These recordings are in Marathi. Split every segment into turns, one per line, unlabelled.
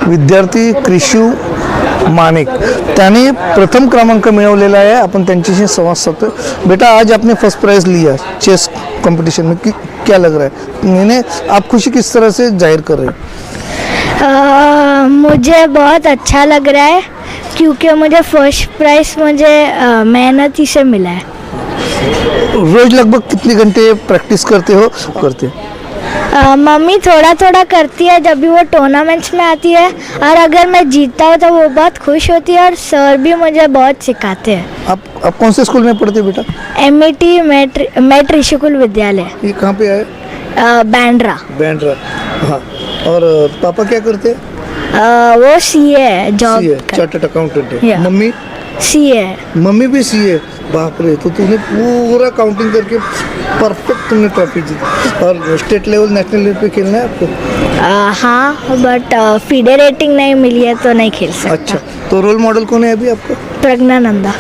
विद्यार्थी क्रिशू मानिक त्याने प्रथम क्रमांक मिळवलेला है। अपन त्यांच्याशी संवाद साधतोय। बेटा आज आपने फर्स्ट प्राइज लिया चेस कंपटीशन में, क्या लग रहा है? मैंने आप खुशी किस तरह से जाहिर कर रहे हैं?
मुझे बहुत अच्छा लग रहा है क्योंकि मुझे फर्स्ट प्राइज़ मुझे मेहनत ही से मिला है।
रोज लगभग कितने घंटे प्रैक्टिस करते हो?
मम्मी थोड़ा थोड़ा करती है जब भी वो टूर्नामेंट्स में आती है, और अगर मैं जीतता हूँ तो वो बहुत खुश होती है, और सर भी मुझे बहुत सिखाते हैं।
आप कौन से स्कूल में पढ़ते हो बेटा?
MIT मेट ऋषिकुल विद्यालय।
ये कहाँ पे है?
बैंड्रा।
हाँ। और पापा क्या करते हैं?
वो CA है, जॉब
चार्टर्ड अकाउंटेंट है। मम्मी?
CA है।
मम्मी भी CA। बाप रे, तो तूने पूरा काउंटिंग करके परफेक्ट तुमने ट्रॉफी जीती। और स्टेट लेवल नेशनल लेवल पे खेलना है आपको?
हाँ, बट फीडे रेटिंग नहीं मिली है तो नहीं खेल सकता।
अच्छा, तो रोल मॉडल कौन है अभी आपका?
प्रज्ञानंदा।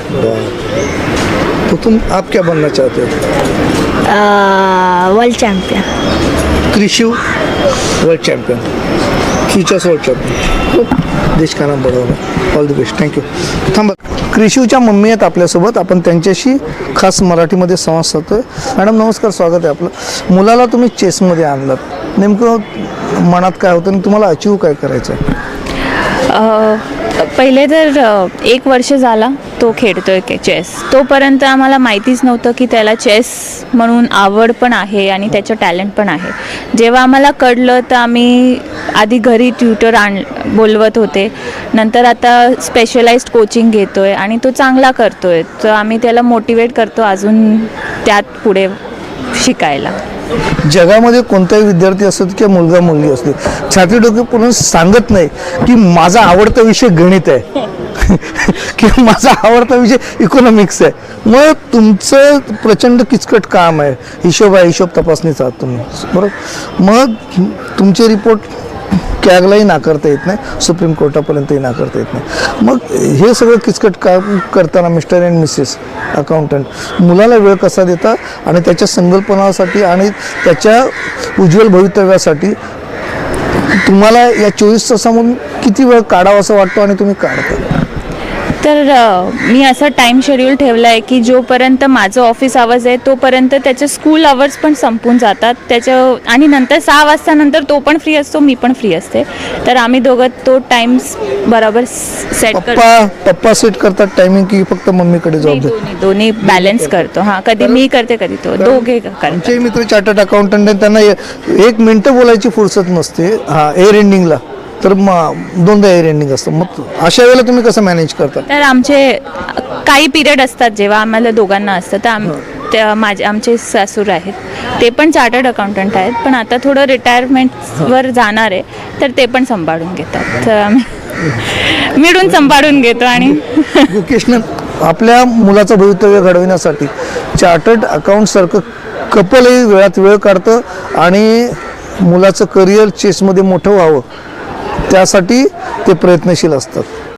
तो आप क्या बनना चाहते हो?
World champion.
Krishu world champion, futures world champion, देश का नाम बडवणार। All the best, thank you. थांबा, क्रिशूच्या मम्मी आहेत आपल्यासोबत। आपण त्यांच्याशी खास मराठीमध्ये संवाद साधतोय। मॅडम नमस्कार, स्वागत आहे आपलं। मुलाला तुम्ही चेसमध्ये आणलात, नेमकं मनात काय होतं आणि तुम्हाला अचीव काय करायचं आहे?
पहिले तर 1 वर्ष झाला तो खेळतोय चेस। तोपर्यंत आम्हाला माहितीच नव्हतं की त्याला चेस म्हणून आवड पण आहे आणि त्याचं टॅलेंट पण आहे। जेव्हा आम्हाला कळलं तर आम्ही आधी घरी ट्युटर बोलवत होते, नंतर आता स्पेशलाइज्ड कोचिंग घेतोय आणि तो चांगला करतोय, तर आम्ही त्याला मोटिवेट करतो अजून त्यात पुढे शिकायला।
जगामध्ये कोणताही विद्यार्थी असो किंवा मुलगा मुलगी असते, छाती डोके पूर्ण सांगत नाही की माझा आवडता विषय गणित आहे किंवा माझा आवडता विषय इकॉनॉमिक्स आहे। मग तुमचं प्रचंड किचकट काम आहे, हिशोब तपासणीचा तुम्ही, बरोबर? मग तुमचे रिपोर्ट कॅगलाही नाकारता येत नाही, सुप्रीम कोर्टापर्यंतही नाकारता येत नाही। मग हे सगळं किचकट काम करताना मिस्टर अँड मिसेस अकाउंटंट मुलाला वेळ कसा देता आणि त्याच्या संकल्पनासाठी आणि त्याच्या उज्ज्वल भवितव्यासाठी तुम्हाला या 24 तासामधून किती वेळ काढावा असं वाटतो आणि तुम्ही काढता?
तर मी असं टाईम शेड्यूल ठेवलं आहे की जोपर्यंत माझं ऑफिस आवर्स आहे तोपर्यंत त्याचे स्कूल आवर्स पण संपून जातात त्याचं, आणि नंतर 6 वाजता नंतर तो पण फ्री असतो, मी पण फ्री असते, तर आम्ही दोघं तो टाइम बरोबर सेट करतो।
पप्पा सेट करतात टायमिंग की फक्त मम्मीकडे जबाबदारी?
दोन्ही बॅलन्स करतो। हां, कधी मी करते कधी तो, दोघे करतो।
आमचे मित्र चार्टर्ड अकाउंटंट आहेत, त्यांना 1 मिनिटं बोलायची फुरसत नसते। हां, एअर एंडिंगला तर मग 2दा एअर एंडिंग असतं। मग अशा वेळेला तुम्ही कसं मॅनेज करता?
तर आमचे काही पिरियड असतात जेव्हा आम्हाला दोघांना असतं, तर आमचे सासूर आहेत, ते पण चार्टर्ड अकाउंटंट आहेत, पण आता थोडं रिटायरमेंटवर जाणार आहे, तर ते पण सांभाळून घेतात, तर आम्ही मिळून सांभाळून घेतो। आणि
वोकेशनल आपल्या मुलाचं भवितव्य घडविण्यासाठी चार्टर्ड अकाउंटसारखं कपलही वेळात वेळ काढतं आणि मुलाचं करिअर चेसमध्ये मोठं व्हावं त्यासाठी ते प्रयत्नशील असतात।